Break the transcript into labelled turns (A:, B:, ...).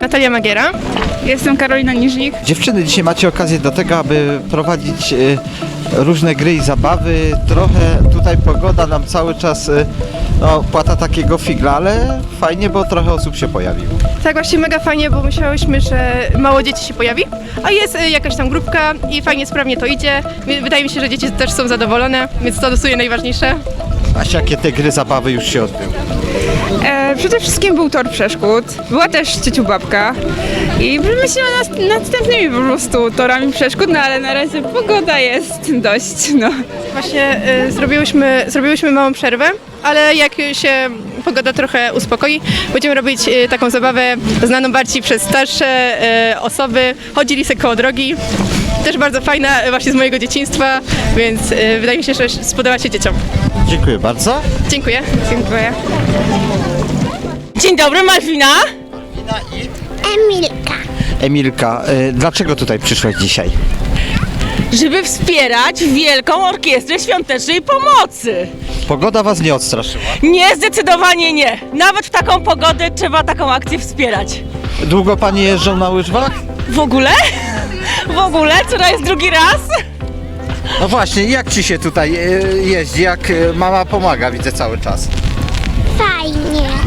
A: Natalia Magiera.
B: Jestem Karolina Niżnik.
C: Dziewczyny, dzisiaj macie okazję do tego, aby prowadzić różne gry i zabawy. Trochę tutaj pogoda nam cały czas płata takiego figla, ale fajnie, bo trochę osób się pojawiło.
A: Tak, właśnie mega fajnie, bo myślałyśmy, że mało dzieci się pojawi, a jest jakaś tam grupka i fajnie, sprawnie to idzie. Wydaje mi się, że dzieci też są zadowolone, więc to jest najważniejsze.
C: A jakie te gry zabawy już się odbyły?
B: Przede wszystkim był tor przeszkód, była też ciociu babka i myślimy nad następnymi po prostu torami przeszkód, no ale na razie pogoda jest dość, no.
A: Właśnie zrobiłyśmy małą przerwę, ale jak się pogoda trochę uspokoi, będziemy robić taką zabawę znaną bardziej przez starsze osoby. Chodzili sobie koło drogi, też bardzo fajna właśnie z mojego dzieciństwa, więc wydaje mi się, że spodoba się dzieciom.
C: Dziękuję bardzo.
A: Dziękuję.
B: Dziękuję.
D: Dzień dobry, Malwina.
C: Emilka, dlaczego tutaj przyszłaś dzisiaj?
D: Żeby wspierać Wielką Orkiestrę Świątecznej Pomocy.
C: Pogoda was nie odstraszyła.
D: Nie, zdecydowanie nie. Nawet w taką pogodę trzeba taką akcję wspierać.
C: Długo panie jeżdżą na łyżwach?
D: W ogóle? W ogóle? Co to jest drugi raz?
C: No właśnie, jak ci się tutaj jeździ, jak mama pomaga, widzę cały czas.
E: Fajnie.